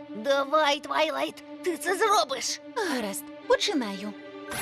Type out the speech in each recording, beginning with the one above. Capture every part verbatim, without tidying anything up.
Давай, Твайлайт, ти це зробиш. Гаразд, починаю.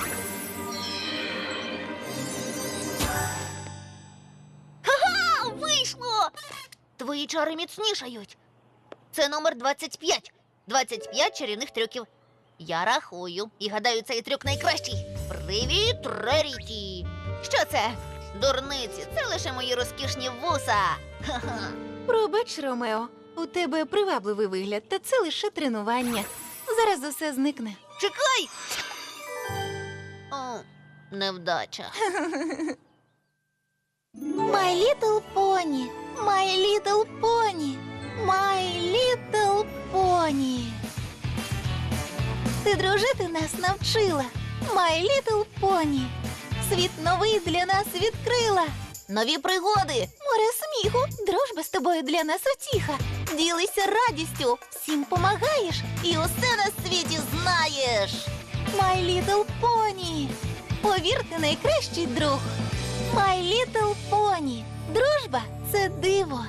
Ха-ха! Вийшло! Твої чари міцнішають. Це номер двадцять п'ять. двадцять п'ять чарівних трюків. Я рахую і гадаю, цей трюк найкращий. Привіт, Реріті! Що це? Дурниці, це лише мої розкішні вуса. Ха-ха. Пробач, Ромео, у тебе привабливий вигляд, та це лише тренування. Зараз усе зникне. Чекай! О, невдача. My little pony, my little pony, my little pony. Ти дружити нас навчила, my little pony. Світ новий для нас відкрила. Нові пригоди! Море сміху, дружба з тобою для нас утіха. Ділися радістю, всім помагаєш і усе на світі знаєш. My little pony. Повір, ти найкращий друг. My little pony. Дружба – це диво.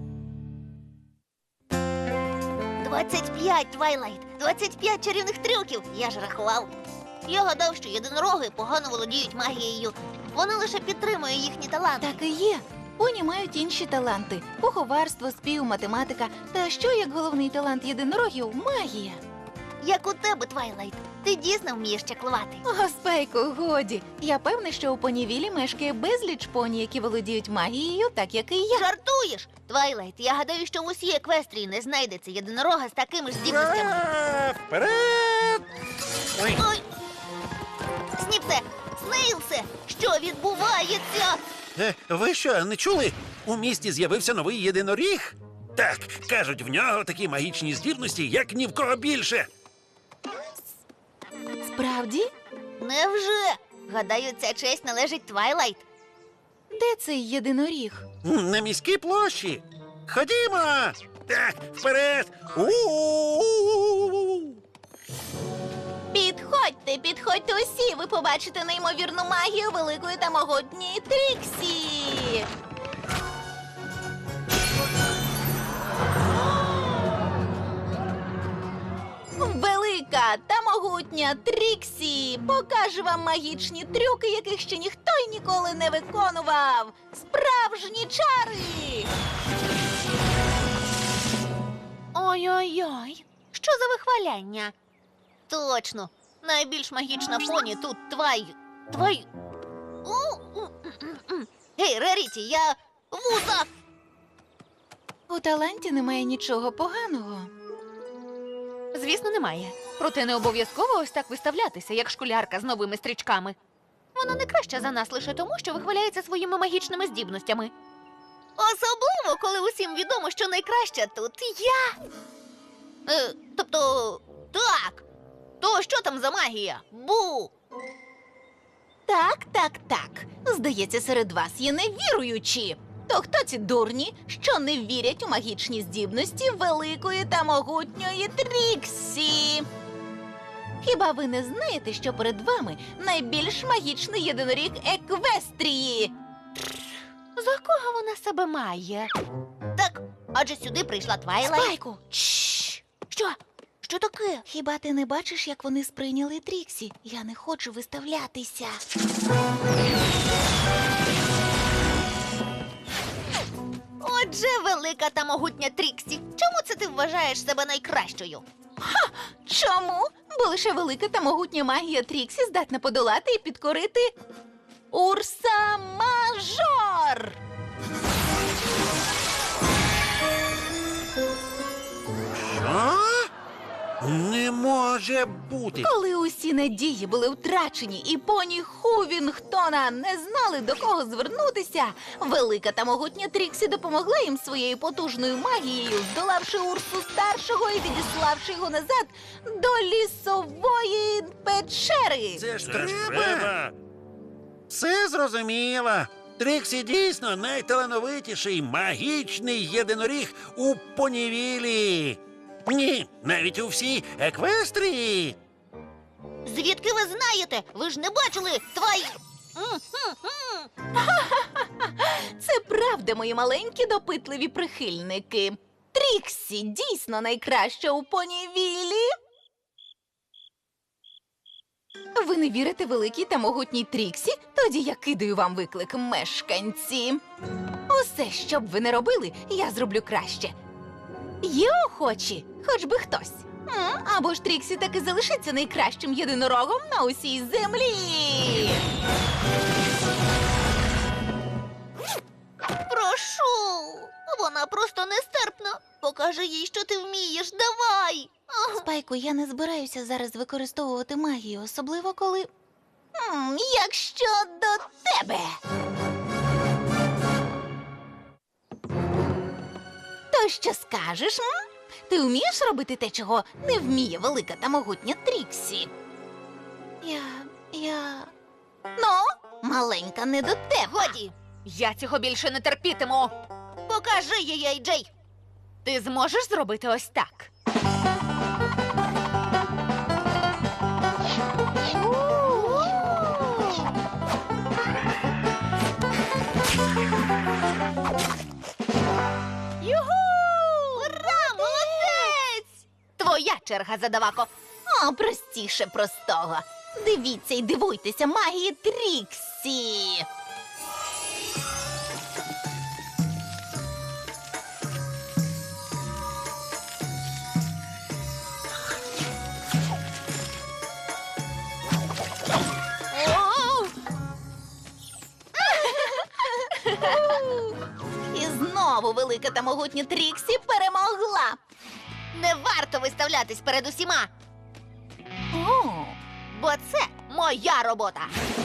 двадцять п'ять, Твайлайт! двадцять п'ять чарівних трюків! Я ж рахував. Я гадав, що єдинороги погано володіють магією. Вона лише підтримує їхні таланти. Так і є. Поні мають інші таланти – поховарство, спів, математика. Та що, як головний талант єдинорогів – магія? Як у тебе, Твайлайт. Ти дійсно вмієш чаклувати. О, Спайку, годі. Я певна, що у Понівілі мешкає безліч поні, які володіють магією, так як і я. Жартуєш? Твайлайт, я гадаю, що в усій Еквестрії не знайдеться єдинорога з такими ж здібностями. Ура! Вперед! Ой, Ой! Сніпсе! Снейлсе! Що відбувається? е, ви що, не чули? У місті з'явився новий єдиноріг? Так, кажуть, в нього такі магічні здібності, як ні в кого більше. Справді? Невже? Гадаю, ця честь належить Твайлайт. Де цей єдиноріг? М, На міській площі. Ходімо! Так, вперед! У-у-у-у-у-у! Підходьте, підходьте усі, ви побачите неймовірну магію великої та могутньої Тріксі. Велика та могутня Тріксі покаже вам магічні трюки, яких ще ніхто й ніколи не виконував. Справжні чари! Ой-ой-ой, що за вихваляння? Точно, найбільш магічна поні тут твай... твай... У, у, м, м. Гей, Реріті, я... вуса! У таланті немає нічого поганого. Звісно, немає. Проте не обов'язково ось так виставлятися, як школярка з новими стрічками. Вона не краща за нас лише тому, що вихваляється своїми магічними здібностями. Особливо, коли усім відомо, що найкраща тут я. Е, тобто, так. То що там за магія? Бу! Так, так, так. Здається, серед вас є невіруючі. То хто ці дурні, що не вірять у магічні здібності великої та могутньої Тріксі? Хіба ви не знаєте, що перед вами найбільш магічний єдиноріг Еквестрії? За кого вона себе має? Так, адже сюди прийшла Твайлайт. Спайку! Чш! Що? Що таке? Хіба ти не бачиш, як вони сприйняли Тріксі? Я не хочу виставлятися. Отже, велика та могутня Тріксі. Чому це ти вважаєш себе найкращою? Чому? Бо лише велика та могутня магія Тріксі здатна подолати і підкорити Урса Мажор! Що? Не може бути. Коли усі надії були втрачені і поні Хувінгтона не знали, до кого звернутися, велика та могутня Тріксі допомогла їм своєю потужною магією, здолавши Урсу старшого і відіславши його назад до лісової печери. Це ж Це треба. ж треба. Все зрозуміло. Тріксі дійсно найталановитіший магічний єдиноріг у Понівілі. Ні, навіть у всій Еквестрії. Звідки ви знаєте? Ви ж не бачили Твай... Це правда, мої маленькі допитливі прихильники. Тріксі дійсно найкраща у понівілі. Ви не вірите великій та могутній Тріксі? Тоді я кидаю вам виклик, мешканці. Усе, що б ви не робили, я зроблю краще. Є охочі, хоч би хтось. М, Або ж Тріксі таки залишиться найкращим єдинорогом на усій землі. Прошу. Вона просто нестерпна. Покажи їй, що ти вмієш. Давай. Ах. Спайку, я не збираюся зараз використовувати магію, особливо коли. М, Якщо до тебе. То що скажеш? М? Ти вмієш робити те, чого не вміє велика та могутня Тріксі? Я. я. Ну, маленька не до тебе. Годі. Я цього більше не терпітиму. Покажи їй, Ей Джей. Ти зможеш зробити ось так. Юху! Ура, молодець! Твоя черга, задавако. О, простіше простого. Дивіться і дивуйтеся магії Тріксі. О! І знову велика та могутня Тріксі перемогла. Не варто виставлятись перед усіма, О, бо це моя робота.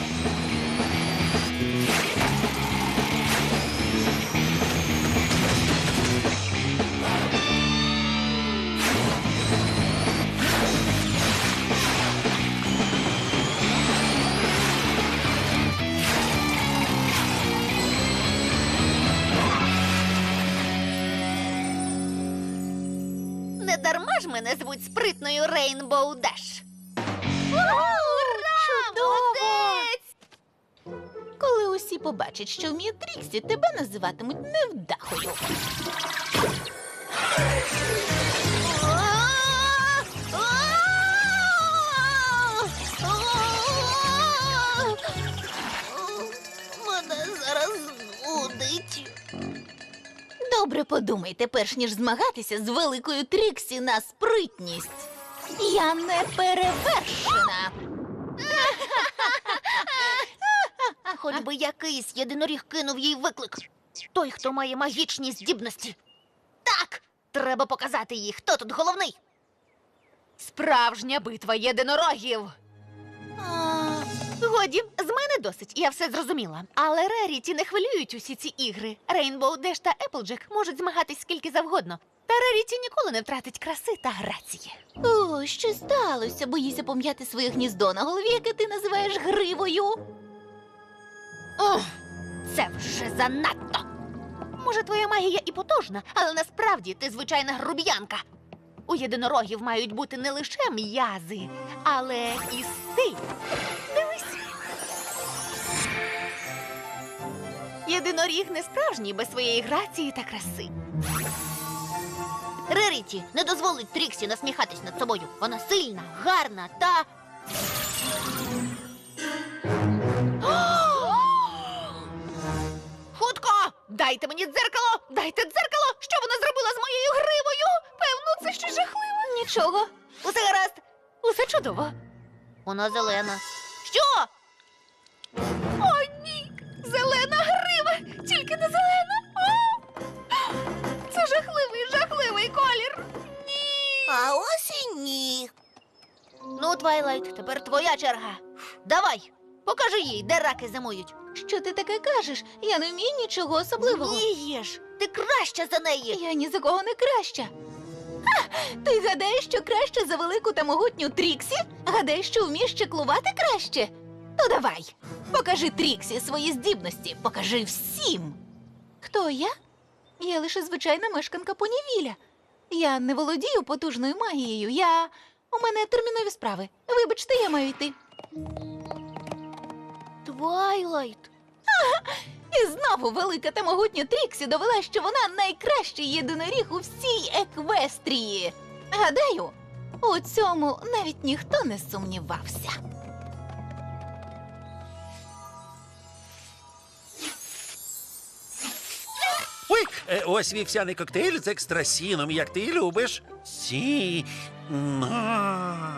Не дарма ж мене звуть спритною Рейнбоу Деш. Молодець! коли усі побачать, що вміє Тріксі, тебе називатимуть невдахою. Мене зараз нудить. Добре подумайте, перш ніж змагатися з великою Тріксі на спритність. Я не перевершена. Хоч би якийсь єдиноріг кинув їй виклик. Той, хто має магічні здібності. Так, треба показати їй, хто тут головний. Справжня битва єдинорогів. А, Годі, з мене досить, я все зрозуміла. Але Реріті не хвилюють усі ці ігри. Рейнбоу Деш та Еплджек можуть змагатись скільки завгодно. Та Реріті ніколи не втратить краси та грації. О, що сталося? Боїся пом'яти своє гніздо на голові, яке ти називаєш гривою? Ох, це вже занадто. Може, твоя магія і потужна, але насправді ти звичайна груб'янка. У єдинорогів мають бути не лише м'язи, але і стиль. Дивись. Єдиноріг не справжній без своєї грації та краси. Реріті не дозволить Тріксі насміхатись над собою. Вона сильна, гарна та... Хутко! Дайте мені дзеркало! Дайте дзеркало! Що вона зробила з моєю гривою? Певно, це щось жахливе. Нічого. Усе гаразд. Усе чудово. Вона зелена. Що? О, ні! Зелена грива! Тільки не зелена! О! Це жахливий, жахливий колір! Ні! А ось і ні. Ну, Твайлайт, тепер твоя черга. Давай, покажи їй, де раки зимують. Що ти таке кажеш? Я не вмію нічого особливого. Вмієш, ти краща за неї. Я ні за кого не краща. Ха! Ти гадаєш, що краще за велику та могутню Тріксі? Гадаєш, що вмієш чеклувати краще? То давай, покажи Тріксі свої здібності, покажи всім. Хто я? Я лише звичайна мешканка Понівіля. Я не володію потужною магією. Я... У мене термінові справи. Вибачте, я маю йти. Твайлайт. І знову велика та могутня Тріксі довела, що вона найкращий єдиноріг у всій Еквестрії. Гадаю, у цьому навіть ніхто не сумнівався. Ой, е, ось вівсяний коктейль з екстрасіном, як ти любиш. Сі. На.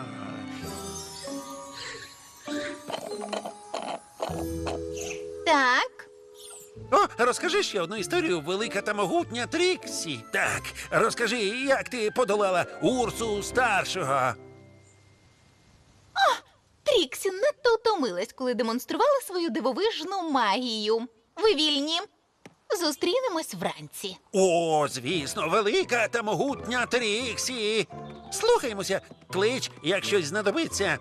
Так, О, розкажи ще одну історію, велика та могутня Тріксі. Так, розкажи, як ти подолала Урсу старшого. Тріксі надто утомилась, коли демонструвала свою дивовижну магію. Ви вільні? Зустрінемось вранці. О, звісно, велика та могутня Тріксі. Слухаймося, клич, як щось знадобиться.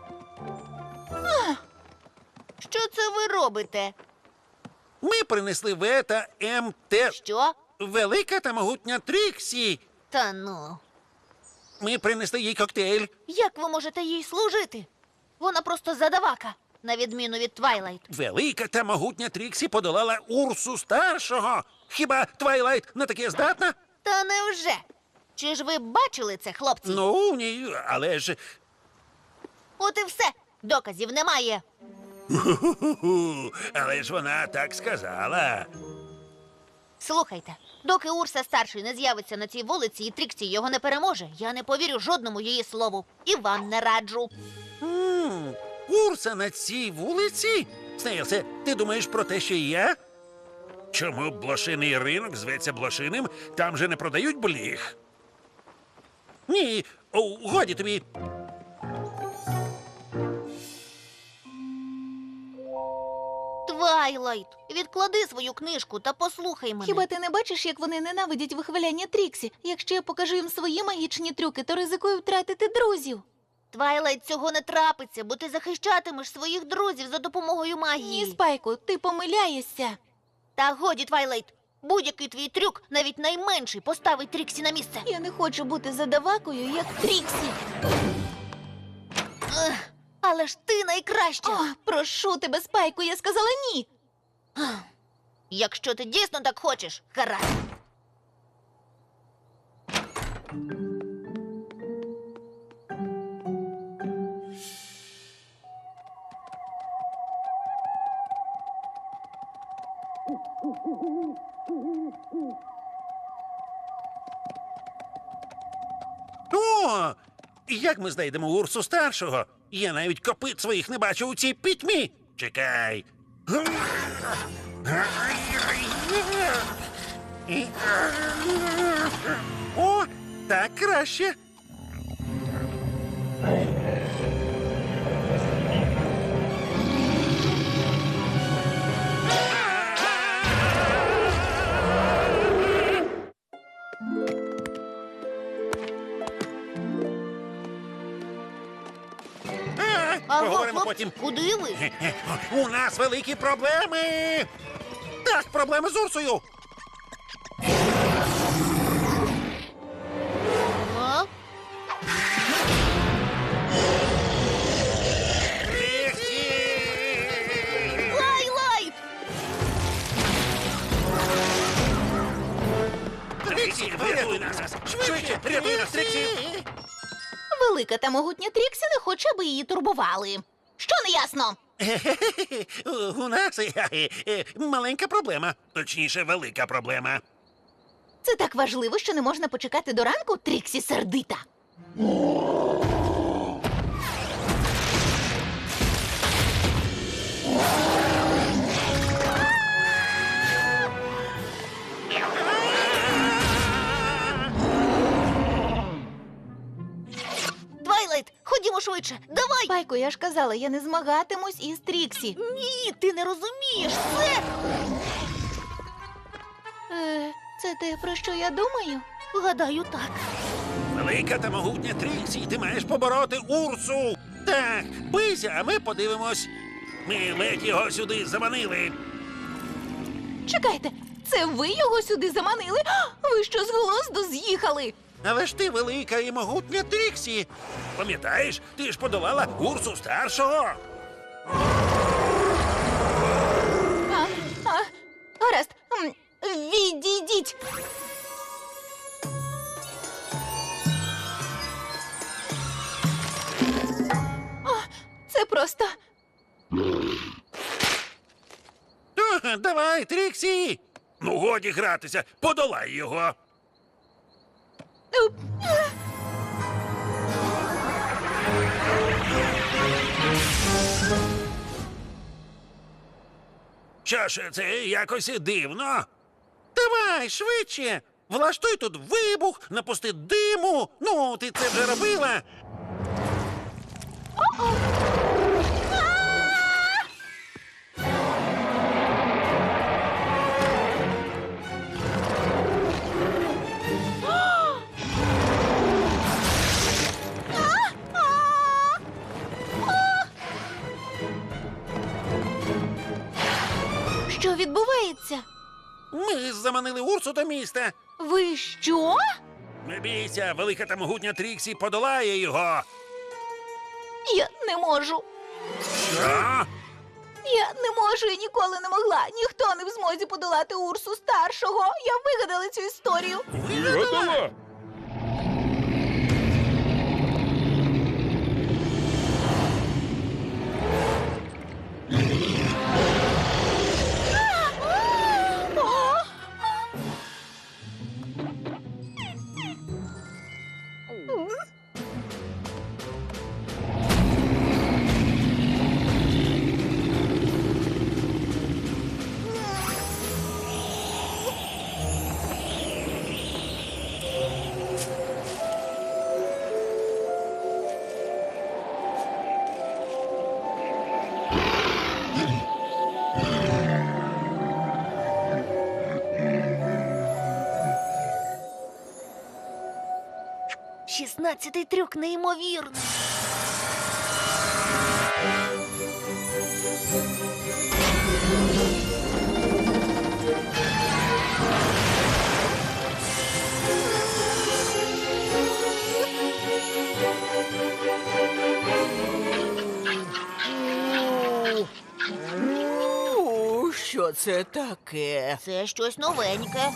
Що це ви робите? Ми принесли В та М Т. Що? Велика та могутня Тріксі. Та ну. Ми принесли їй коктейль. Як ви можете їй служити? Вона просто задавака, на відміну від Твайлайт. Велика та могутня Тріксі подолала Урсу старшого. Хіба Твайлайт на таке здатна? Та невже? Чи ж ви бачили це, хлопці? Ну, ні, але ж. От і все. Доказів немає. Ху-ху-ху. Але ж вона так сказала. Слухайте, доки Урса старший не з'явиться на цій вулиці і Тріксі його не переможе, я не повірю жодному її слову. І вам не раджу. М, Урса на цій вулиці? Снейлсе, ти думаєш про те, що і я? Чому б блошиний ринок зветься блошиним? Там же не продають бліх. Ні, о, годі тобі. Твайлайт, відклади свою книжку та послухай мене. Хіба ти не бачиш, як вони ненавидять вихваляння Тріксі? Якщо я покажу їм свої магічні трюки, то ризикую втратити друзів. Твайлайт, цього не трапиться, бо ти захищатимеш своїх друзів за допомогою магії. Ні, Спайку, ти помиляєшся. Та годі, Твайлайт, будь-який твій трюк, навіть найменший, поставить Тріксі на місце. Я не хочу бути задавакою, як Тріксі. Ех, але ж ти найкраща. О, прошу тебе, Спайку, я сказала ні. Якщо ти дійсно так хочеш, гаразд. О, як ми знайдемо Урсу старшого? Я навіть копит своїх не бачу у цій пітьмі. Чекай. О, так краще. А, Аго, Поговоримо хлопці, потім. куди ви? Хе-хе, У нас великі проблеми. Так, проблеми з Урсою. А? Твайлайт! Тріксі, врятуй нас! Швидше, рятуй нас, Тріксі! Велика та могутня Тріксі не хоче, аби її турбували. Що не ясно? У нас е, е, маленька проблема. Точніше, велика проблема. Це так важливо, що не можна почекати до ранку, Тріксі сердита. Твайлайт, ходімо швидше, давай! Спайку, я ж казала, я не змагатимусь із Тріксі. Ні, ти не розумієш, це... Е, це те, про що я думаю? Гадаю, так. Велика та могутня Тріксі, ти маєш побороти Урсу. Так, бийся, а ми подивимось. Ми ледь його сюди заманили. Чекайте, це ви його сюди заманили? А, ви що з глузду з'їхали? Але ж ти велика і могутня Тріксі. Пам'ятаєш, ти ж подолала Урсу старшого. А, а, гаразд. М, Відійдіть. О, це просто. Ага, давай, Тріксі! Ну, годі гратися, подолай його. Уп. Що ж, це якось дивно. Давай, швидше. Влаштуй тут вибух, напусти диму. Ну, ти це вже робила. Що відбувається? Ми заманили Урсу до міста. Ви що? Не бійся, велика та могутня Тріксі подолає його. Я не можу. Що? Я не можу і ніколи не могла. Ніхто не в змозі подолати Урсу старшого. Я вигадала цю історію. Вигадала? Шістнадцятий трюк неймовірний. Ну, що це таке? Це щось новеньке.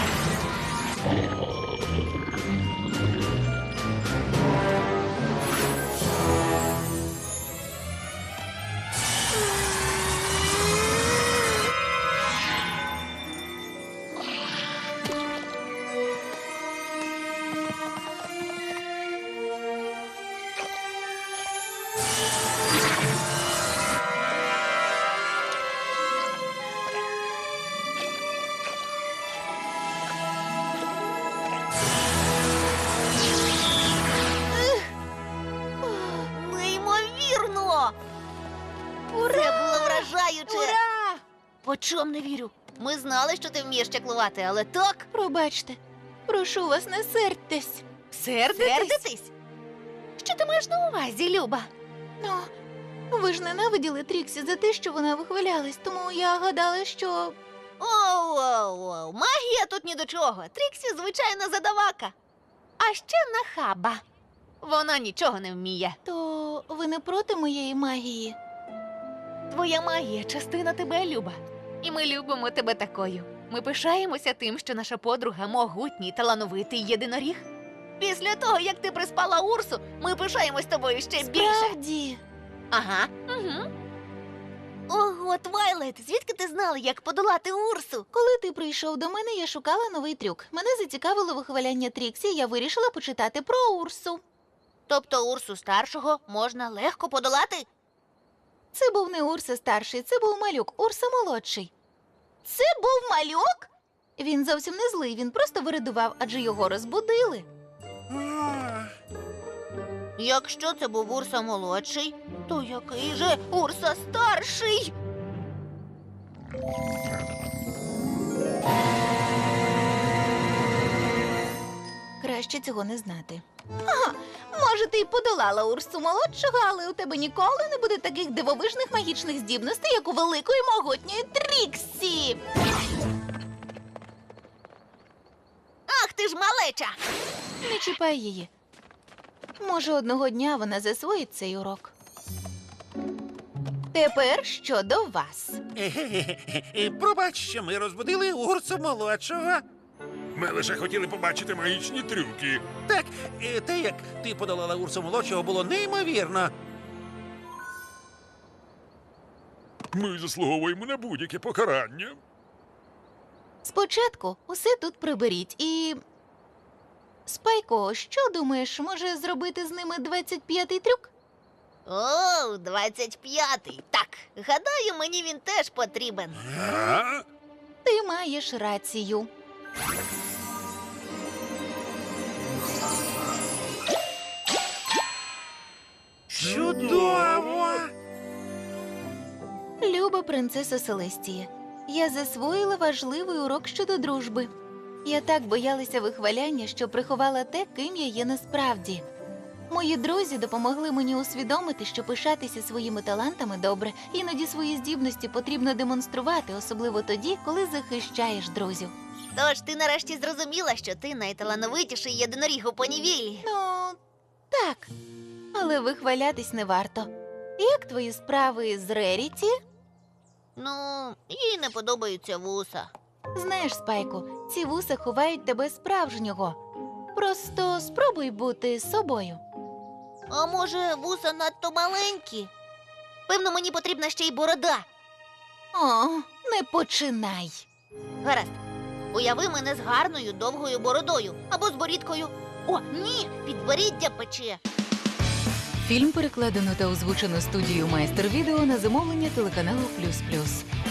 Неймовірно! Це було вражаюче! Ура! Очом не вірю. Ми знали, що ти вмієш чаклувати, але так Пробачте, прошу вас, не сердьтесь. Сердитись? сердитись. Що ти маєш на увазі, Люба? Ну, ви ж ненавиділи Тріксі за те, що вона вихвалялась, тому я гадала, що. Оу-оу-оу, магія тут ні до чого. Тріксі звичайна задавака. А ще нахаба. Вона нічого не вміє. То ви не проти моєї магії? Твоя магія частина тебе, Люба. І ми любимо тебе такою. Ми пишаємося тим, що наша подруга могутній, талановитий єдиноріг. Після того, як ти приспала Урсу, ми пишаємось тобою ще більше. Справді. Ага. Угу. Ого, Твайлайт, звідки ти знала, як подолати Урсу? Коли ти прийшов до мене, я шукала новий трюк. Мене зацікавило вихваляння Тріксі, я вирішила почитати про Урсу. Тобто Урсу старшого можна легко подолати? Це був не Урса старший, це був малюк, Урса молодший. Це був малюк? Він зовсім не злий, він просто виридував, адже його розбудили. Якщо це був Урса молодший, то який же Урса старший? Краще цього не знати. Ага, може, ти й подолала Урсу молодшого, але у тебе ніколи не буде таких дивовижних магічних здібностей, як у великої могутньої Тріксі. Ах ти ж малеча! Не чіпай її. Може, одного дня вона засвоїть цей урок. Тепер щодо вас. Е-ге-ге. Пробач, що ми розбудили Урсу молодшого. Ми лише хотіли побачити магічні трюки. Так, е, те, як ти подолала Урсу молодшого, було неймовірно. Ми заслуговуємо на будь-яке покарання. Спочатку усе тут приберіть і. Спайко, що думаєш, може зробити з ними двадцять п'ятий трюк? О, двадцять п'ятий. Так, гадаю, мені він теж потрібен. А? Ти маєш рацію. Чудово! Люба принцеса Селестія, я засвоїла важливий урок щодо дружби. Я так боялася вихваляння, що приховала те, ким я є насправді. Мої друзі допомогли мені усвідомити, що пишатися своїми талантами добре, іноді свої здібності потрібно демонструвати, особливо тоді, коли захищаєш друзів. Тож ти нарешті зрозуміла, що ти найталановитіший єдиноріг у понівілі. Ну, так, але вихвалятись не варто. Як твої справи з Реріті? Ну, їй не подобаються вуса. Знаєш, Спайку, ці вуса ховають тебе справжнього. Просто спробуй бути собою. А може, вуса надто маленькі? Певно, мені потрібна ще й борода. О, не починай. Гаразд. Уяви мене з гарною довгою бородою або з борідкою. О, ні, підборіддя пече. Фільм перекладено та озвучено студією Майстер Відео на замовлення телеканалу Плюс Плюс.